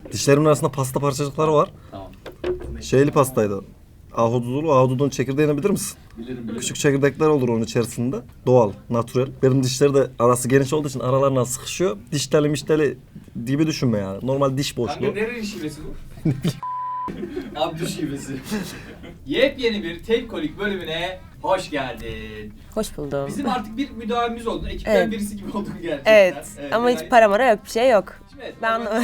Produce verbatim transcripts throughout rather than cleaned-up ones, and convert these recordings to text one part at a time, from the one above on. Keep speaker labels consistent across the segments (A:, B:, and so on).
A: Dişlerimin arasında pasta parçacıkları var.
B: Tamam.
A: Şeyli pastaydı. Ahududulu. Ahududunun çekirdeğini bilir misin?
B: Bilirim bilirim.
A: Küçük çekirdekler olur onun içerisinde. Doğal, natürel. Benim dişleri de arası geniş olduğu için aralarına sıkışıyor. Diş teli mişteli gibi düşünme yani. Normal diş boşluğu.
B: Kanka nerenin şivesi bu? Abdü şivesi. Yepyeni bir tek kolik bölümüne hoş geldin.
C: Hoş buldum.
B: Bizim artık bir müdavimimiz oldun. Ekipten
C: Evet.
B: birisi gibi oldun gerçekten.
C: Evet, ama hiç
B: yani-
C: para mara yok, bir şey yok.
B: Şimdi evet,
C: Ben
B: ama-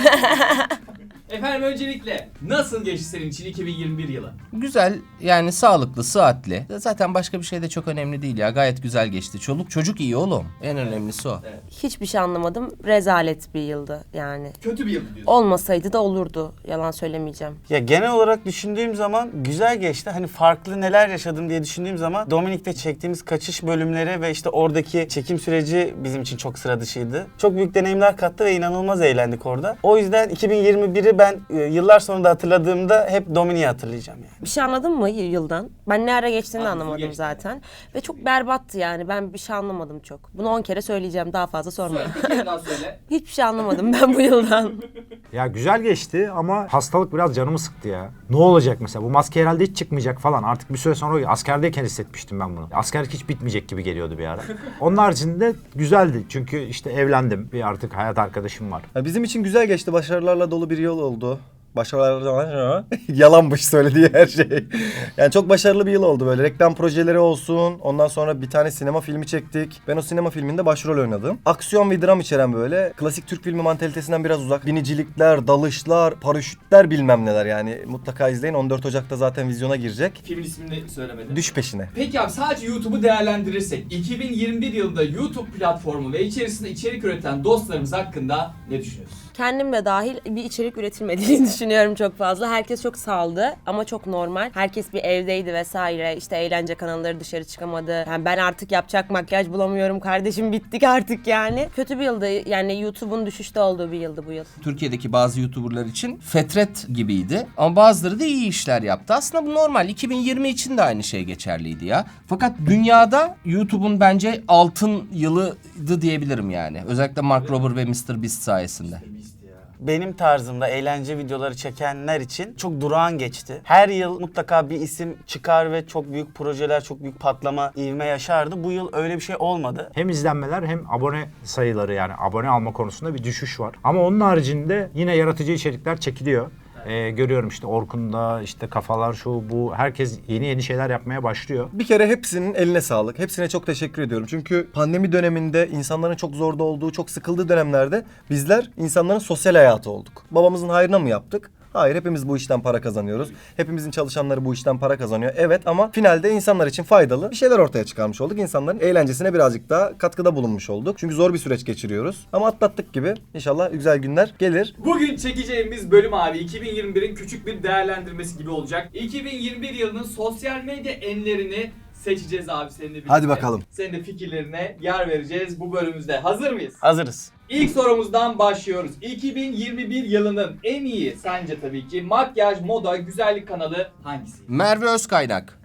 B: Efendim öncelikle nasıl geçti senin için iki bin yirmi bir yılı?
D: Güzel, yani sağlıklı, sıhhatli. Zaten başka bir şey de çok önemli değil ya. Gayet güzel geçti. Çoluk çocuk iyi oğlum. En önemlisi o.
B: Evet.
C: Hiçbir şey anlamadım. Rezalet bir yıldı yani.
B: Kötü bir yıl diyorsun.
C: Olmasaydı da olurdu. Yalan söylemeyeceğim.
E: Ya genel olarak düşündüğüm zaman güzel geçti. Hani farklı neler yaşadım diye düşündüğüm zaman Dominik'te çektiğimiz kaçış bölümleri ve işte oradaki çekim süreci bizim için çok sıra dışıydı. Çok büyük deneyimler kattı ve inanılmaz eğlendik orada. O yüzden iki bin yirmi biri ben e, yıllar sonra da hatırladığımda hep Dominik'i hatırlayacağım yani.
C: Bir şey anladın mı y- yıldan? Ben ne ara geçtiğini de
B: Anladım,
C: anlamadım
B: geçti.
C: zaten. Ve çok berbattı yani. Ben bir şey anlamadım çok. Bunu on kere söyleyeceğim. Daha fazla sorma.
B: Söyle, bir kere daha söyle.
C: Hiçbir şey anlamadım ben bu yıldan.
F: Ya güzel geçti ama hastalık biraz canımı sıktı ya. Ne olacak mesela? Bu maske herhalde hiç çıkmayacak falan. Artık bir süre sonra askerdeyken hissetmiştim ben bunu. Askerlik hiç bitmeyecek gibi geliyordu bir ara. Onun haricinde güzeldi. Çünkü işte evlendim. Bir artık hayat arkadaşım var.
A: Ya bizim için güzel geçti. Başarılarla dolu bir yıl oldu. Başarılar yalanmış söylediği her şey. Yani çok başarılı bir yıl oldu böyle. Reklam projeleri olsun. Ondan sonra bir tane sinema filmi çektik. Ben o sinema filminde başrol oynadım. Aksiyon ve dram içeren böyle. Klasik Türk filmi mantalitesinden biraz uzak. Binicilikler, dalışlar, paraşütler bilmem neler yani. Mutlaka izleyin. on dört Ocak'ta zaten vizyona girecek.
B: Filmin ismini söylemedin.
A: Düş peşine.
B: Peki abi sadece YouTube'u değerlendirirsek iki bin yirmi bir yılında YouTube platformu ve içerisinde içerik üreten dostlarımız hakkında ne düşünüyorsun?
C: Kendim de dahil bir içerik üretilmediğini düşünüyorum çok fazla. Herkes çok saldı ama çok normal. Herkes bir evdeydi vesaire. İşte eğlence kanalları dışarı çıkamadı. Yani ben artık yapacak makyaj bulamıyorum kardeşim, bittik artık yani. Kötü bir yıldı yani, YouTube'un düşüşte olduğu bir yıldı bu yıl.
D: Türkiye'deki bazı YouTuber'lar için fetret gibiydi. Ama bazıları da iyi işler yaptı. Aslında bu normal. iki bin yirmi için de aynı şey geçerliydi ya. Fakat dünyada YouTube'un bence altın yılıydı diyebilirim yani. Özellikle Mark Rober ve mister Beast sayesinde.
E: Benim tarzımda eğlence videoları çekenler için çok durağan geçti. Her yıl mutlaka bir isim çıkar ve çok büyük projeler, çok büyük patlama, ivme yaşardı. Bu yıl öyle bir şey olmadı.
F: Hem izlenmeler hem abone sayıları, yani abone alma konusunda bir düşüş var. Ama onun haricinde yine yaratıcı içerikler çekiliyor. Ee, görüyorum işte Orkun'da, işte Kafalar, şu bu, herkes yeni yeni şeyler yapmaya başlıyor.
A: Bir kere hepsinin eline sağlık. Hepsine çok teşekkür ediyorum. Çünkü pandemi döneminde insanların çok zorda olduğu, çok sıkıldığı dönemlerde bizler insanların sosyal hayatı olduk. Babamızın hayrına mı yaptık? Hayır, hepimiz bu işten para kazanıyoruz. Hepimizin çalışanları bu işten para kazanıyor. Evet, ama finalde insanlar için faydalı bir şeyler ortaya çıkarmış olduk. İnsanların eğlencesine birazcık daha katkıda bulunmuş olduk. Çünkü zor bir süreç geçiriyoruz. Ama atlattık gibi. İnşallah güzel günler gelir.
B: Bugün çekeceğimiz bölüm abi iki bin yirmi birin küçük bir değerlendirmesi gibi olacak. iki bin yirmi bir yılının sosyal medya enlerini seçeceğiz abi seninle birlikte.
A: Hadi bakalım.
B: Senin de fikirlerine yer vereceğiz bu bölümümüzde. Hazır mıyız?
E: Hazırız.
B: İlk sorumuzdan başlıyoruz. iki bin yirmi bir yılının en iyi sence tabii ki makyaj, moda, güzellik kanalı hangisi?
D: Merve Özkaynak.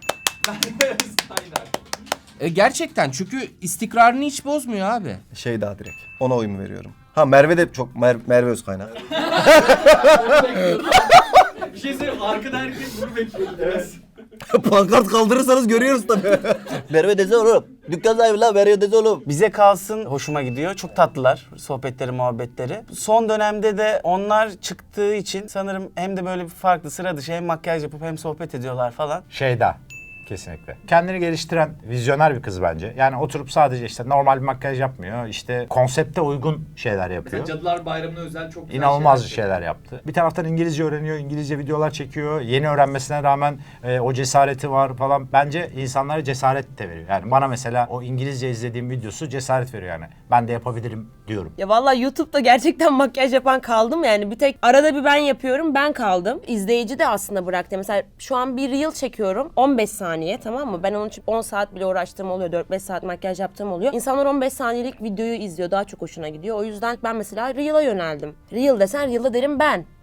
B: Aynen.
D: E, gerçekten, çünkü istikrarını hiç bozmuyor abi.
A: Şey daha direkt. Ona oyun veriyorum. Ha, Merve de çok Mer Merve Özkaynak.
B: Bunu bekliyordum. Bir şey söyleyeyim, arkada herkes bunu bekliyordu. Evet.
A: Pankart kaldırırsanız görüyoruz tabii. Merve dese oğlum. Dükkan sahibi la, Merve dese oğlum.
E: Bize kalsın hoşuma gidiyor. Çok tatlılar sohbetleri, muhabbetleri. Son dönemde de onlar çıktığı için sanırım hem de böyle bir farklı, sıra dışı hem makyaj yapıp hem sohbet ediyorlar falan.
F: Şeyda. Kesinlikle. Kendini geliştiren vizyoner bir kız bence. Yani oturup sadece işte normal bir makyaj yapmıyor. İşte konsepte uygun şeyler yapıyor.
B: Mesela Cadılar Bayramı'na özel çok güzel
F: İnanılmaz
B: şeyler,
F: şeyler yaptı. Bir taraftan İngilizce öğreniyor, İngilizce videolar çekiyor. Yeni öğrenmesine rağmen e, o cesareti var falan. Bence insanlara cesaret de veriyor. Yani bana mesela o İngilizce izlediğim videosu cesaret veriyor yani. Ben de yapabilirim diyorum.
C: Ya vallahi YouTube'da gerçekten makyaj yapan kaldım yani. Bir tek arada bir ben yapıyorum, ben kaldım. İzleyici de aslında bıraktı. Mesela şu an bir reel çekiyorum on beş saniye, tamam mı? Ben onun için on saat bile uğraştığım oluyor. dört beş saat makyaj yaptığım oluyor. İnsanlar on beş saniyelik videoyu izliyor. Daha çok hoşuna gidiyor. O yüzden ben mesela reel'a yöneldim. Reel desen reel'da derim ben.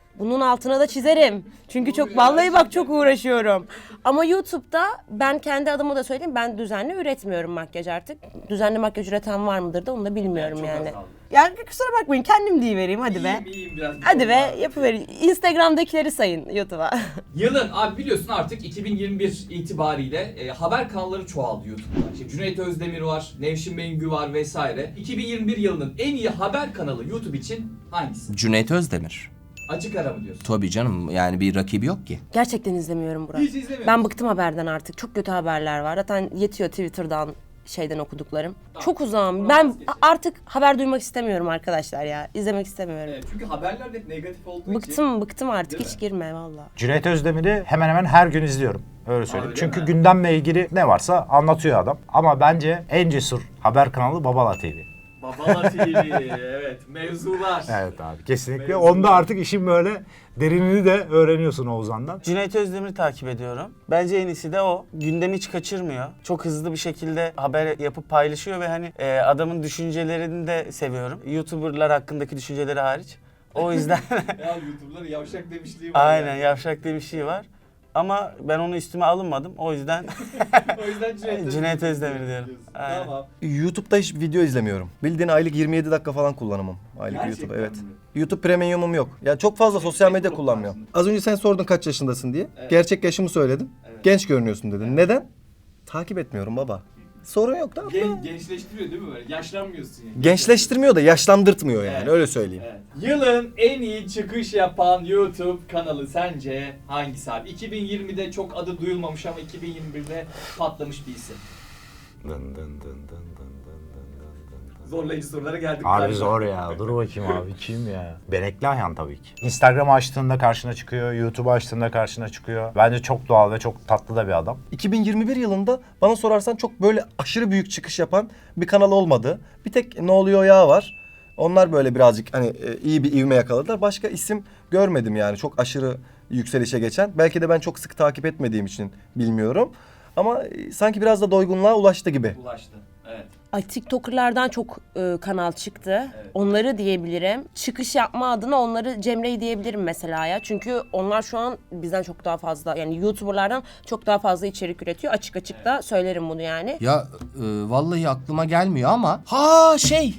C: Bunun altına da çizerim. Çünkü çok vallahi bak çok uğraşıyorum. Ama YouTube'da ben kendi adıma da söyleyeyim, ben düzenli üretmiyorum makyaj artık. Düzenli makyaj üreten var mıdır da onu da bilmiyorum
B: Çok
C: yani.
B: azaldı.
C: Yani kusura bakmayın, kendim deyivereyim hadi be.
B: İyiyim iyiyim biraz.
C: Hadi be yapıverin. Instagram'dakileri sayın YouTube'a.
B: Yılın abi biliyorsun artık iki bin yirmi bir itibariyle e, haber kanalları çoğaldı YouTube'da. İşte Cüneyt Özdemir var, Nevşin Mengü var vesaire. iki bin yirmi bir yılının en iyi haber kanalı YouTube için hangisi?
D: Cüneyt Özdemir.
B: Açık ara mı diyorsun?
D: Tabii canım, yani bir rakibi yok ki.
C: Gerçekten izlemiyorum Burak.
B: Hiç izlemiyorum.
C: Ben bıktım haberden artık. Çok kötü haberler var. Zaten yetiyor Twitter'dan şeyden okuduklarım.
B: Tamam.
C: Çok uzağım.
B: Bunu
C: Ben
B: vazgeçelim.
C: artık haber duymak istemiyorum arkadaşlar ya. İzlemek istemiyorum.
B: Evet, çünkü haberler de hep negatif olduğu için.
C: Bıktım bıktım artık.
B: Değil
C: Hiç
B: mi?
C: girme valla.
F: Cüneyt Özdemir'i hemen hemen her gün izliyorum. Öyle söyleyeyim.
B: öyle
F: Çünkü
B: mi?
F: gündemle ilgili ne varsa anlatıyor adam. Ama bence en cesur haber kanalı Babala T V.
B: Babala T V, evet, mevzular.
F: Evet abi kesinlikle.
B: Mevzular.
F: Onda artık işin böyle derinini de öğreniyorsun Oğuzhan'dan.
E: Cüneyt Özdemir'i takip ediyorum. Bence en iyisi de o. Gündemi hiç kaçırmıyor. Çok hızlı bir şekilde haber yapıp paylaşıyor ve hani e, adamın düşüncelerini de seviyorum. YouTuber'lar hakkındaki düşünceleri hariç. O yüzden
B: Ya YouTuber'lar yavşak demişliği var.
E: aynen
B: yani.
E: yavşak diye bir şey var. Ama ben onu üstüme alınmadım. O yüzden
B: O yüzden Cüneyt,
E: Cüneyt Özdemir diyorum.
B: diyorsun.
E: Aynen.
B: Tamam.
A: YouTube'da hiç video izlemiyorum. Bildiğin aylık yirmi yedi dakika falan kullanımım. Aylık
B: Gerçekten
A: YouTube evet.
B: mi?
A: YouTube Premium'um yok. Ya çok fazla sosyal medya
B: Facebook
A: kullanmıyorum.
B: varsın.
A: Az önce sen sordun kaç yaşındasın diye.
B: Evet.
A: Gerçek yaşımı söyledim.
B: Evet.
A: Genç görünüyorsun dedin. Neden? Takip etmiyorum baba. Sorun yok da.
B: Gen, gençleştiriyor değil mi böyle? Yaşlanmıyorsun yani.
A: Gençleştirmiyor da yaşlandırtmıyor yani
B: Evet.
A: öyle söyleyeyim.
B: Evet. Yılın en iyi çıkış yapan YouTube kanalı sence hangisi abi? iki bin yirmide çok adı duyulmamış ama iki bin yirmi birde patlamış bir isim.
F: Dın dın dın dın dın dın dın dın dın.
B: Zorlayıcı sorulara geldik.
F: Abi
B: galiba.
F: zor ya. Dur bakayım abi. Kim ya? Benekli Ayhan tabii ki. Instagram açtığında karşına çıkıyor. YouTube açtığında karşına çıkıyor. Bence çok doğal ve çok tatlı da bir adam.
A: iki bin yirmi bir yılında bana sorarsan çok böyle aşırı büyük çıkış yapan bir kanal olmadı. Bir tek Ne Oluyor Ya var. Onlar böyle birazcık hani e, iyi bir ivme yakaladılar. Başka isim görmedim yani çok aşırı yükselişe geçen. Belki de ben çok sık takip etmediğim için bilmiyorum. Ama e, sanki biraz da doygunluğa ulaştı gibi.
B: Ulaştı. Evet.
C: Ay TikToker'lardan çok e, kanal çıktı.
B: Evet.
C: Onları diyebilirim. Çıkış yapma adına onları Cemre'yi diyebilirim mesela ya. Çünkü onlar şu an bizden çok daha fazla yani YouTuber'lardan çok daha fazla içerik üretiyor. Açık açık da söylerim bunu yani.
D: Ya e, vallahi aklıma gelmiyor ama. Ha şey.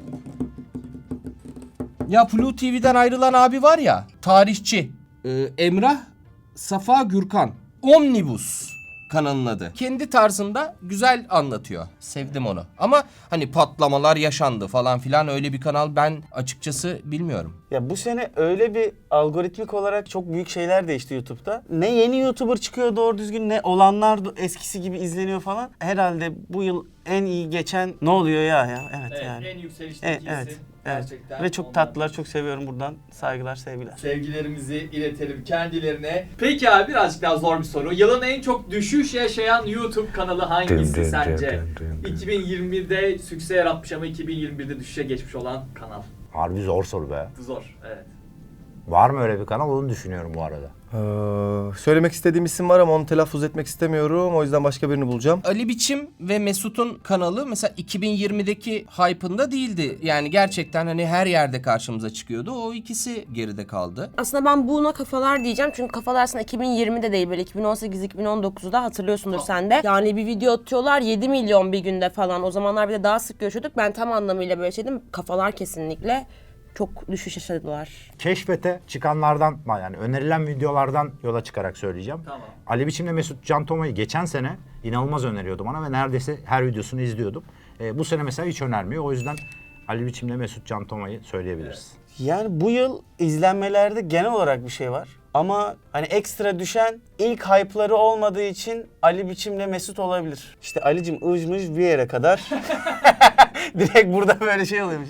D: Ya Blue T V'den ayrılan abi var ya, tarihçi. E, Emrah Safa Gürkan. Omnibus kanalın adı. Kendi tarzında güzel anlatıyor. Sevdim onu. Ama hani patlamalar yaşandı falan filan, öyle bir kanal ben açıkçası bilmiyorum.
E: Ya bu sene öyle bir algoritmik olarak çok büyük şeyler değişti YouTube'da. Ne yeni YouTuber çıkıyor doğru düzgün, ne olanlar da eskisi gibi izleniyor falan. Herhalde bu yıl en iyi geçen Ne Oluyor Ya ya. Evet,
B: Evet,
E: yani.
B: en yükselişteki
E: Evet,
B: isim.
E: evet, evet.
B: Gerçekten.
E: Ve çok
B: Ondan
E: tatlılar, çok seviyorum buradan. Saygılar, sevgiler.
B: Sevgilerimizi iletelim kendilerine. Peki abi birazcık daha zor bir soru. Yılın en çok düşüş yaşayan YouTube kanalı hangisi
F: Dın dın
B: sence?
F: dın dın dın.
B: iki bin yirmide sükse yaratmış ama iki bin yirmi birde düşüşe geçmiş olan kanal.
F: Harbi zor soru be.
B: Bu zor. Evet.
F: Var mı öyle bir kanal? Onu düşünüyorum bu arada.
A: Ee, söylemek istediğim isim var ama onu telaffuz etmek istemiyorum. O yüzden başka birini bulacağım.
D: Ali Biçim ve Mesut'un kanalı mesela iki bin yirmideki hype'ında değildi. Yani gerçekten hani her yerde karşımıza çıkıyordu. O ikisi geride kaldı.
C: Aslında ben buna kafalar diyeceğim çünkü kafalar aslında iki bin yirmide değil böyle iki bin on sekiz iki bin on dokuzda hatırlıyorsundur sen de. Yani bir video atıyorlar yedi milyon bir günde falan. O zamanlar bir de daha sık görüşüyorduk. Ben tam anlamıyla böyle şeydim. Kafalar kesinlikle çok düşüş yaşadılar.
F: Keşfete çıkanlardan yani önerilen videolardan yola çıkarak söyleyeceğim.
B: Tamam.
F: Ali Biçim'le Mesut Can Toma'yı geçen sene inanılmaz öneriyordu bana ve neredeyse her videosunu izliyordum. Ee, bu sene mesela hiç önermiyor. O yüzden Ali Biçim'le Mesut Can Toma'yı söyleyebiliriz.
E: Yani bu yıl izlenmelerde genel olarak bir şey var. Ama hani ekstra düşen ilk hype'ları olmadığı için Ali Biçim'le Mesut olabilir. İşte Ali'cim ıjmış bir yere kadar. Direkt burada böyle şey oluyormuş.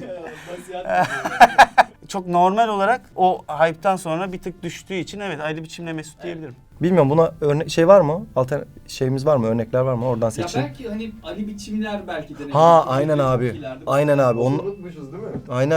E: Çok normal olarak o hype'tan sonra bir tık düştüğü için evet Ali Biçim'le Mesut diyebilirim.
A: Bilmiyorum buna örne şey var mı? Altern şeyimiz var mı? Örnekler var mı? Oradan
B: Ya
A: seçin.
B: belki hani Ali Biçimler belki denebilir.
A: Ha aynen
B: Çok
A: abi.
B: iyilerde.
A: Aynen abi. Onu
G: Unutmuşuz değil mi?
A: aynen.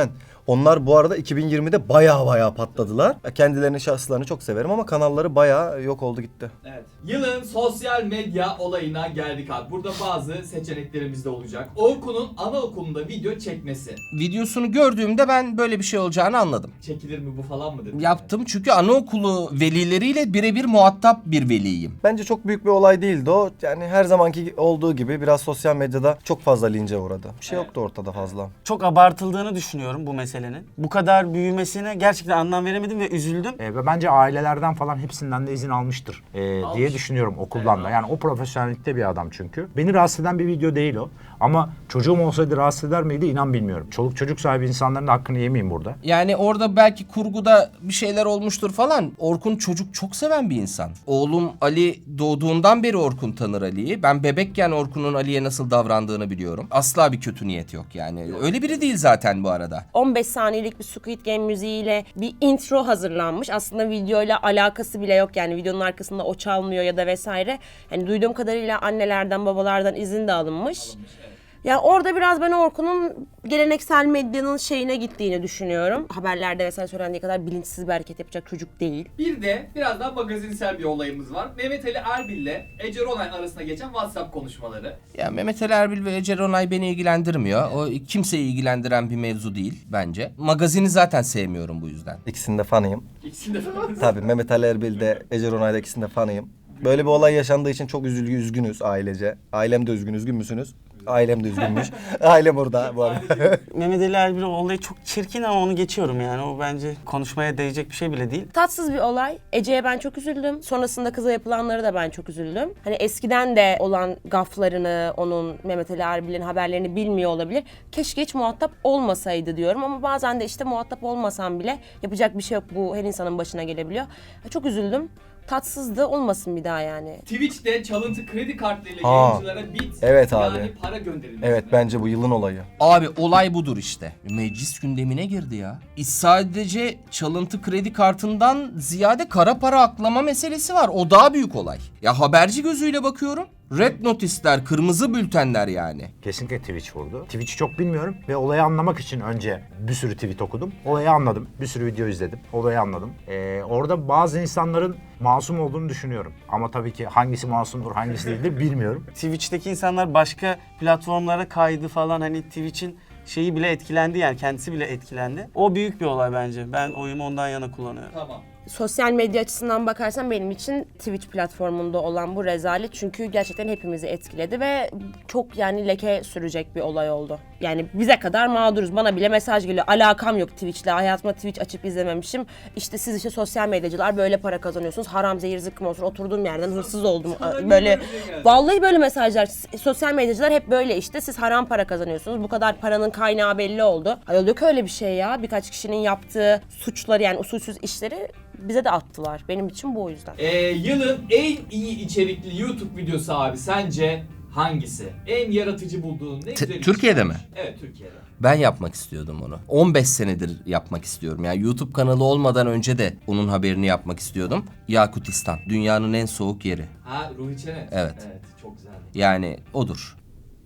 A: Onlar bu arada iki bin yirmide baya baya patladılar. Kendilerini, şahıslarını çok severim ama kanalları baya yok oldu gitti.
B: Evet. Yılın sosyal medya olayına geldik abi. Burada bazı seçeneklerimiz de olacak. Orkun'un anaokulunda video çekmesi.
D: Videosunu gördüğümde ben böyle bir şey olacağını anladım.
B: Çekilir mi bu falan mı dedim.
D: Yaptım çünkü anaokulu velileriyle birebir muhatap bir veliyim.
A: Bence çok büyük bir olay değildi o. Yani her zamanki olduğu gibi biraz sosyal medyada çok fazla lince uğradı. Bir şey
B: Evet.
A: yoktu ortada fazla.
E: Çok abartıldığını düşünüyorum bu meselenin. Bu kadar büyümesine gerçekten anlam veremedim ve üzüldüm.
F: E, ve bence ailelerden falan hepsinden de izin almıştır e,
B: Almış.
F: diye düşünüyorum okuldan da. Yani o profesyonellikte bir adam çünkü. Beni rahatsız eden bir video değil o. Ama çocuğum olsaydı rahatsız eder miydi inan bilmiyorum. Çoluk çocuk sahibi insanların da hakkını yemeyeyim burada.
D: Yani orada belki kurguda bir şeyler olmuştur falan. Orkun çocuk çok seven bir insan. Oğlum Ali doğduğundan beri Orkun tanır Ali'yi. Ben bebekken Orkun'un Ali'ye nasıl davrandığını biliyorum. Asla bir kötü niyet yok yani. Öyle biri değil zaten bu arada.
C: on beş saniyelik bir Squid Game müziğiyle bir intro hazırlanmış. Aslında videoyla alakası bile yok yani videonun arkasında o çalmıyor ya da vesaire. Yani duyduğum kadarıyla annelerden babalardan izin de alınmış.
B: Alınmış, evet.
C: Ya orada biraz ben Orkun'un geleneksel medyanın şeyine gittiğini düşünüyorum. Haberlerde vesaire söylendiği kadar bilinçsiz bir hareket yapacak çocuk değil.
B: Bir de biraz daha magazinsel bir olayımız var. Mehmet Ali Erbil ile Ece Ronay arasında geçen WhatsApp konuşmaları.
D: Ya Mehmet Ali Erbil ve Ece Ronay beni ilgilendirmiyor. O kimseyi ilgilendiren bir mevzu değil bence. Magazini zaten sevmiyorum bu yüzden.
A: İkisinin de fanıyım.
B: İkisinde falan.
A: Tabii Mehmet Ali Erbil de Ece Ronay'da ikisinin de fanıyım. Böyle bir olay yaşandığı için çok üzülgü üzgünüz ailece. Ailem de üzgün, üzgün müsünüz? Ailem de üzgünmüş. Ailem burada bu arada.
E: Mehmet Ali Erbil olayı çok çirkin ama onu geçiyorum yani. O bence konuşmaya değecek bir şey bile değil.
C: Tatsız bir olay. Ece'ye ben çok üzüldüm. Sonrasında kıza yapılanları da ben çok üzüldüm. Hani eskiden de olan gaflarını, onun Mehmet Ali Erbil'in haberlerini bilmiyor olabilir. Keşke hiç muhatap olmasaydı diyorum ama bazen de işte muhatap olmasam bile yapacak bir şey yok. Bu her insanın başına gelebiliyor. Çok üzüldüm. Tatsızdı, olmasın bir daha yani.
B: Twitch'te çalıntı kredi kartlarıyla
A: Aa,
B: yayıncılara bit
A: evet
B: yani
A: abi.
B: para gönderilmesi.
A: Evet bence bu yılın olayı.
D: Abi olay budur işte. Meclis gündemine girdi ya. E, Sadece çalıntı kredi kartından ziyade kara para aklama meselesi var. O daha büyük olay. Ya haberci gözüyle bakıyorum. Red notisler, kırmızı bültenler yani.
F: Kesinlikle Twitch vurdu. Twitch'i çok bilmiyorum ve olayı anlamak için önce bir sürü tweet okudum. Olayı anladım. Bir sürü video izledim. Olayı anladım. Ee, orada bazı insanların masum olduğunu düşünüyorum. Ama tabii ki hangisi masumdur, hangisi değildir bilmiyorum.
E: Twitch'teki insanlar başka platformlara kaydı falan, hani Twitch'in şeyi bile etkilendi yani, kendisi bile etkilendi. O büyük bir olay bence. Ben oyumu ondan yana kullanıyorum.
B: Tamam.
C: Sosyal medya açısından bakarsan benim için Twitch platformunda olan bu rezalet çünkü gerçekten hepimizi etkiledi ve çok yani leke sürecek bir olay oldu. Yani bize kadar mağduruz. Bana bile mesaj geliyor. Alakam yok Twitch'le. Hayatımda Twitch açıp izlememişim. İşte siz işte sosyal medyacılar böyle para kazanıyorsunuz. Haram zehir zıkkım olsun. Oturduğum yerden hırsız oldum.
B: Sana
C: Böyle
B: niye böyle şey geldi?
C: vallahi böyle mesajlar. Sosyal medyacılar hep böyle işte. Siz haram para kazanıyorsunuz. Bu kadar paranın kaynağı belli oldu. Ay yok öyle bir şey ya. Birkaç kişinin yaptığı suçları yani usulsüz işleri bize de attılar. Benim için bu o yüzden.
B: Ee, yılın en iyi içerikli YouTube videosu abi sence hangisi? En yaratıcı bulduğun ne güzel iş
D: Türkiye'de
B: çıkmış.
D: mi?
B: Evet, Türkiye'de.
D: Ben yapmak istiyordum onu. on beş senedir yapmak istiyorum. Yani YouTube kanalı olmadan önce de onun haberini yapmak istiyordum. Yakutistan. Dünyanın en soğuk yeri.
B: Ha, Ruhi Çenet.
D: Evet.
B: Evet, çok güzeldi.
D: Yani odur.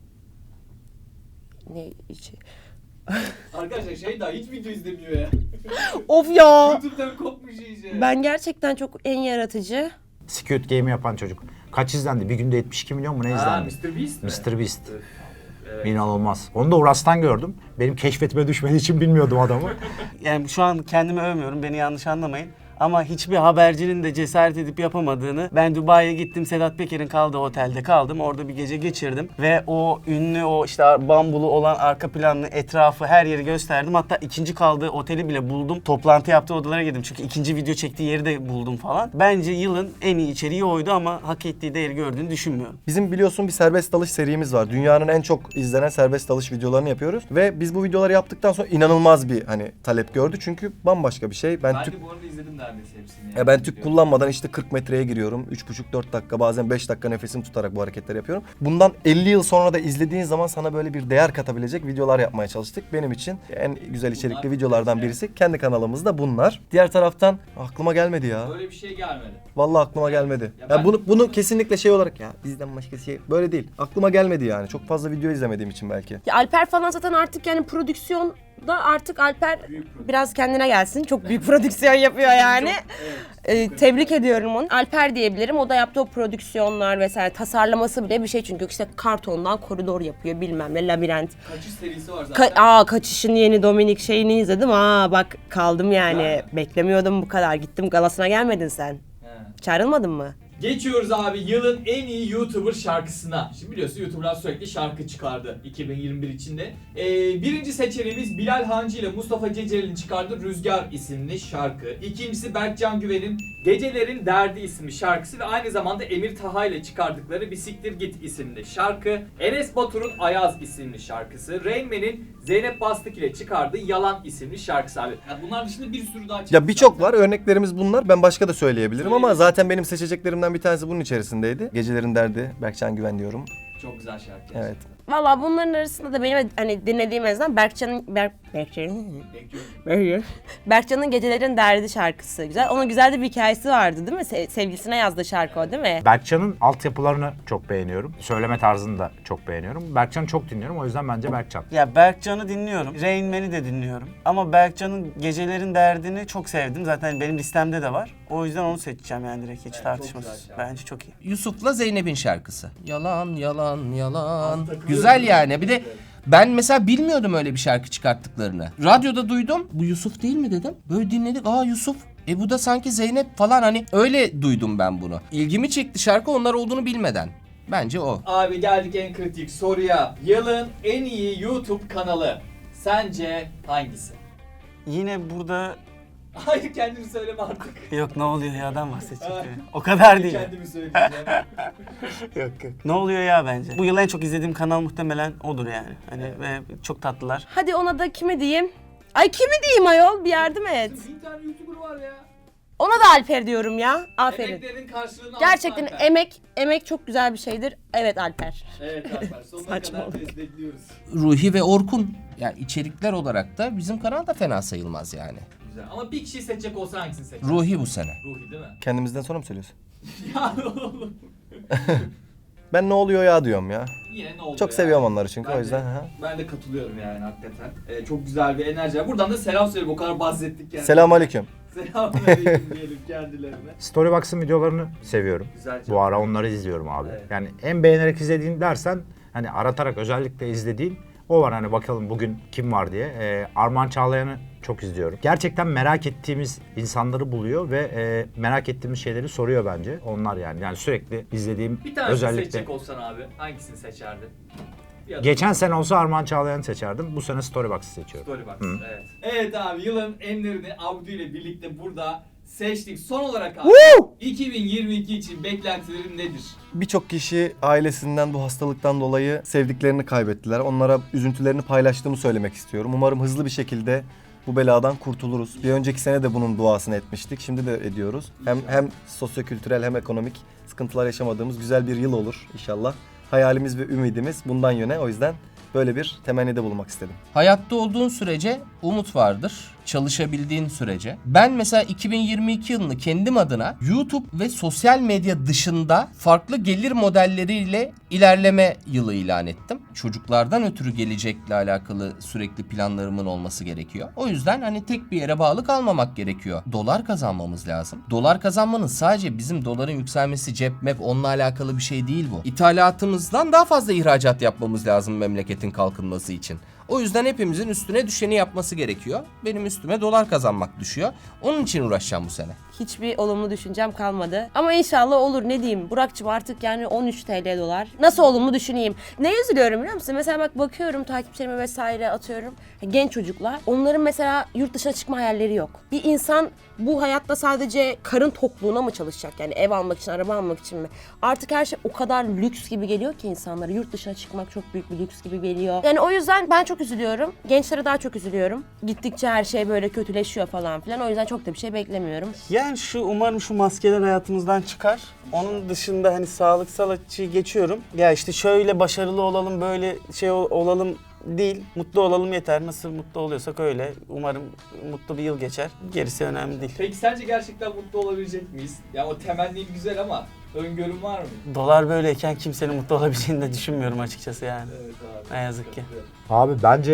C: Ne içi?
B: Arkadaşlar şey daha hiç video izlemiyor ya.
C: Of ya.
B: YouTube'dan kopmuş iyice.
C: Ben gerçekten çok en yaratıcı.
F: Squid Game'i yapan çocuk. Kaç izlendi? Bir günde yetmiş iki milyon mu ne
B: Ha,
F: izlendi?
B: mister Beast mi?
F: mister Beast.
B: Öf, evet.
F: İnanılmaz. Onu da Uras'tan gördüm. Benim keşfetime düşmediği için bilmiyordum adamı.
E: Yani şu an kendimi övmüyorum, beni yanlış anlamayın. Ama hiçbir habercinin de cesaret edip yapamadığını, ben Dubai'ye gittim, Sedat Peker'in kaldığı otelde kaldım. Orada bir gece geçirdim ve o ünlü, o işte bambulu olan arka planlı etrafı, her yeri gösterdim. Hatta ikinci kaldığı oteli bile buldum. Toplantı yaptığı odalara girdim çünkü ikinci video çektiği yeri de buldum falan. Bence yılın en iyi içeriği oydu ama hak ettiği değeri gördüğünü düşünmüyorum.
A: Bizim biliyorsun bir serbest dalış serimiz var. Dünyanın en çok izlenen serbest dalış videolarını yapıyoruz. Ve biz bu videoları yaptıktan sonra inanılmaz bir hani talep gördü. Çünkü bambaşka bir şey. Ben,
B: Ben
A: tüp
B: de bu arada izledim neredeyse hepsini.
A: Ya ben tüp kullanmadan işte kırk metreye giriyorum. üç buçuk dört dakika bazen beş dakika nefesimi tutarak bu hareketleri yapıyorum. Bundan elli yıl sonra da izlediğin zaman sana böyle bir değer katabilecek videolar yapmaya çalıştık. Benim için en güzel içerikli
B: Bunlar
A: videolardan
B: güzel.
A: birisi. Kendi kanalımızda bunlar. Diğer taraftan aklıma gelmedi ya.
B: Böyle bir şey gelmedi.
A: Vallahi aklıma gelmedi.
B: Ya
A: Ya,
B: ben-
A: bunu bunu kesinlikle şey olarak ya bizden başka şey böyle değil. Aklıma gelmedi yani. Çok fazla video izlemediğim için belki.
C: Ya Alper falan zaten artık yani prodüksiyon Da artık Alper biraz kendine gelsin. Çok büyük prodüksiyon yapıyor yani. Ee, tebrik ediyorum onu. Alper diyebilirim. O da yaptığı o prodüksiyonlar vesaire tasarlaması bile bir şey çünkü işte kartondan koridor yapıyor bilmem ne labirent.
B: Kaçış serisi var zaten.
C: Ka- Aa kaçışın yeni Dominik şeyini izledim. Aa bak kaldım yani.
B: Ha.
C: Beklemiyordum bu kadar. Gittim galasına gelmedin sen.
B: He.
C: Çağrılmadın mı?
B: Geçiyoruz abi yılın en iyi YouTuber şarkısına. Şimdi biliyorsun YouTuber'lar sürekli şarkı çıkardı iki bin yirmi bir içinde. Ee, birinci seçeneğimiz Bilal Hancı ile Mustafa Ceceli'nin çıkardığı Rüzgar isimli şarkı. İkincisi Berkcan Güven'in Gecelerin Derdi isimli şarkısı ve aynı zamanda Emir Taha ile çıkardıkları Bir Siktir Git isimli şarkı. Enes Batur'un Ayaz isimli şarkısı. Rain Man'in Zeynep Bastık ile çıkardığı Yalan isimli şarkısı abi. Yani bunlar dışında bir sürü daha çıktı.
A: Ya birçok var. Örneklerimiz bunlar. Ben başka da söyleyebilirim ama zaten benim seçeceklerimden bir tanesi bunun içerisindeydi. Gecelerin Derdi, Berkcan Güven diyorum.
B: Çok güzel şarkı.
A: Evet.
B: gerçekten.
C: Valla bunların arasında da benim hani dinlediğim en azından Berkcan'ın Berk Berkcan'ın
B: Bekliyorum.
C: Berkcan'ın Gecelerin Derdi şarkısı güzel. Onun güzel de bir hikayesi vardı değil mi? Se- sevgilisine yazdığı şarkı o değil mi?
F: Berkcan'ın altyapılarını çok beğeniyorum. Söyleme tarzını da çok beğeniyorum. Berkcan'ı çok dinliyorum. O yüzden bence Berkcan.
E: Ya Berkcan'ı dinliyorum. Rain Man'i de dinliyorum. Ama Berkcan'ın Gecelerin Derdini çok sevdim. Zaten benim listemde de var. O yüzden onu seçeceğim yani direkt hiç
B: Evet, çok
E: tartışmasız.
B: güzel şarkı.
E: Bence çok iyi.
D: Yusuf'la Zeynep'in şarkısı. Yalan yalan yalan.
B: Az takılıyor
D: Güzel
B: değil mi?
D: yani. Bir de ben mesela bilmiyordum öyle bir şarkı çıkarttıklarını. Radyoda duydum. Bu Yusuf değil mi dedim. Böyle dinledik. Aa Yusuf. E bu da sanki Zeynep falan hani öyle duydum ben bunu. İlgimi çekti şarkı onlar olduğunu bilmeden. Bence o.
B: Abi geldik en kritik soruya. Yılın en iyi YouTube kanalı sence hangisi?
E: Yine burada
B: Hayır kendimi söyleme artık.
E: yok ne oluyor ya'dan bahsedecek. O kadar değil.
B: Kendimi söyleyeceğim.
E: Yok yok. Ne oluyor ya bence. Bu yıl en çok izlediğim kanal muhtemelen odur yani. Hani ve çok tatlılar.
C: Hadi ona da kimi diyeyim? Ay kimi diyeyim ayol bir yardım et.
B: Bin tane YouTuber var ya.
C: Ona da Alper diyorum ya. Aferin.
B: Emeklerin karşılığını
C: Gerçekten
B: alsın Alper.
C: emek emek çok güzel bir şeydir. Evet Alper.
B: Evet Alper sonuna
C: Saçmalık.
B: kadar destekliyoruz.
D: Ruhi ve Orkun. Yani içerikler olarak da bizim kanal da fena sayılmaz yani.
B: Güzel ama bir kişiyi seçecek olsa hangisini seçersin?
D: Ruhi bu sene.
B: Ruhi değil mi?
A: Kendimizden sonra mı söylüyorsun?
B: Ya oğlum.
A: Ben ne oluyor ya diyorum ya.
B: Yine ne oldu
A: Çok
B: ya?
A: seviyorum onları çünkü
B: Ben
A: o yüzden.
B: De,
A: hı.
B: ben de katılıyorum yani hakikaten. Ee, çok güzel bir enerji var. Buradan da selam söyle. O kadar bahsettik yani.
A: Selamünaleyküm.
B: Selamünaleyküm diyelim kendilerine.
F: Storybox'ın videolarını seviyorum.
B: Güzel.
F: Bu ara onları izliyorum abi.
B: Evet.
F: Yani en beğenerek izlediğin dersen hani aratarak özellikle izlediğin o var hani bakalım bugün kim var diye. Ee, Armağan Çağlayan'ı çok izliyorum. Gerçekten merak ettiğimiz insanları buluyor ve e, merak ettiğimiz şeyleri soruyor bence. Onlar yani. Yani sürekli izlediğim
B: Bir tanesini
F: özellikle.
B: seçecek olsan abi hangisini seçerdin? Bir adım.
F: Geçen sene olsa Armağan Çağlayan'ı seçerdim. Bu sene Storybox'ı seçiyorum.
B: Storybox.
F: Hı.
B: Evet. Evet abi yılın enlerini Abdü ile birlikte burada seçtik. Son olarak abi iki bin yirmi iki için beklentilerin nedir?
A: Birçok kişi ailesinden bu hastalıktan dolayı sevdiklerini kaybettiler. Onlara üzüntülerini paylaştığımı söylemek istiyorum. Umarım hızlı bir şekilde bu beladan kurtuluruz. Bir önceki sene de bunun duasını etmiştik. Şimdi de ediyoruz. Hem hem sosyokültürel hem ekonomik sıkıntılar yaşamadığımız güzel bir yıl olur inşallah. Hayalimiz ve ümidimiz bundan yöne. O yüzden böyle bir temennide bulunmak istedim.
D: Hayatta olduğun sürece umut vardır. Çalışabildiğin sürece. Ben mesela iki bin yirmi iki yılını kendim adına YouTube ve sosyal medya dışında farklı gelir modelleriyle ilerleme yılı ilan ettim. Çocuklardan ötürü gelecekle alakalı sürekli planlarımın olması gerekiyor. O yüzden hani tek bir yere bağlı kalmamak gerekiyor. Dolar kazanmamız lazım. Dolar kazanmanın sadece bizim doların yükselmesi, cep mep onunla alakalı bir şey değil bu. İthalatımızdan daha fazla ihracat yapmamız lazım memleketin kalkınması için. O yüzden hepimizin üstüne düşeni yapması gerekiyor. Benim üstüme dolar kazanmak düşüyor. Onun için uğraşacağım bu sene.
C: Hiçbir olumlu düşüncem kalmadı. Ama inşallah olur ne diyeyim. Burak'cığım artık yani on üç TL dolar. Nasıl olumlu düşüneyim? Ne üzülüyorum biliyor musun? Mesela bak bakıyorum takipçilerime vesaire atıyorum. Genç çocuklar. Onların mesela yurt dışına çıkma hayalleri yok. Bir insan bu hayatta sadece karın tokluğuna mı çalışacak? Yani ev almak için, araba almak için mi? Artık her şey o kadar lüks gibi geliyor ki insanlara. Yurt dışına çıkmak çok büyük bir lüks gibi geliyor. Yani o yüzden ben çok üzülüyorum. Gençlere daha çok üzülüyorum. Gittikçe her şey böyle kötüleşiyor falan filan. O yüzden çok da bir şey beklemiyorum.
E: Yani şu umarım şu maskeler hayatımızdan çıkar. Onun dışında hani sağlıksal açıyı geçiyorum. Ya işte şöyle başarılı olalım, böyle şey ol- olalım değil. Mutlu olalım yeter. Nasıl mutlu oluyorsak öyle. Umarım mutlu bir yıl geçer. Gerisi önemli değil.
B: Peki sence gerçekten mutlu olabilecek miyiz? Ya o temenni güzel ama öngörün var mı?
E: Dolar böyleyken kimsenin mutlu olabileceğini de düşünmüyorum açıkçası yani.
B: Evet abi.
E: Ne yazık ki.
F: Abi bence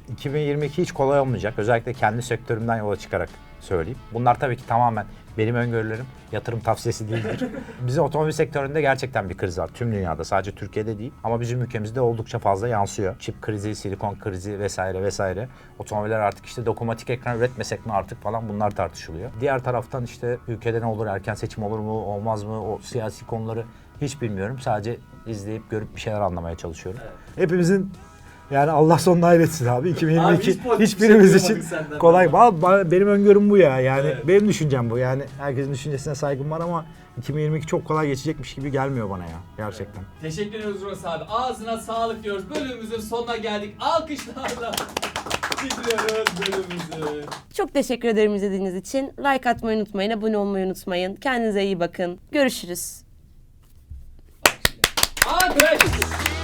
F: iki bin yirmi iki hiç kolay olmayacak. Özellikle kendi sektörümden yola çıkarak söyleyeyim. Bunlar tabii ki tamamen benim öngörülerim. Yatırım tavsiyesi değildir. Bizim otomobil sektöründe gerçekten bir kriz var. Tüm dünyada, sadece Türkiye'de değil. Ama bizim ülkemizde oldukça fazla yansıyor. Çip krizi, silikon krizi vesaire vesaire. Otomobiller artık işte dokunmatik ekran üretmesek mi artık falan, bunlar tartışılıyor. Diğer taraftan işte ülkede ne olur, erken seçim olur mu, olmaz mı, o siyasi konuları hiç bilmiyorum. Sadece izleyip görüp bir şeyler anlamaya çalışıyorum.
B: Evet.
F: Hepimizin yani Allah sonuna hayretsin abi. iki bin yirmi iki
B: Abi hiç pozitif
F: hiçbirimiz
B: şey
F: için
B: duymadık senden.
F: kolay. Ba- Benim öngörüm bu ya. Yani
B: Evet.
F: benim düşüncem bu. Yani herkesin düşüncesine saygım var ama iki bin yirmi iki çok kolay geçecekmiş gibi gelmiyor bana ya. Gerçekten.
B: Teşekkür ediyoruz Ross abi. Ağzına sağlık diyoruz. Bölümümüzün sonuna geldik. Alkışlarla bitiriyoruz bölümümüzü.
C: Çok teşekkür ederim izlediğiniz için. Like atmayı unutmayın, abone olmayı unutmayın. Kendinize iyi bakın. Görüşürüz.
B: Alkış.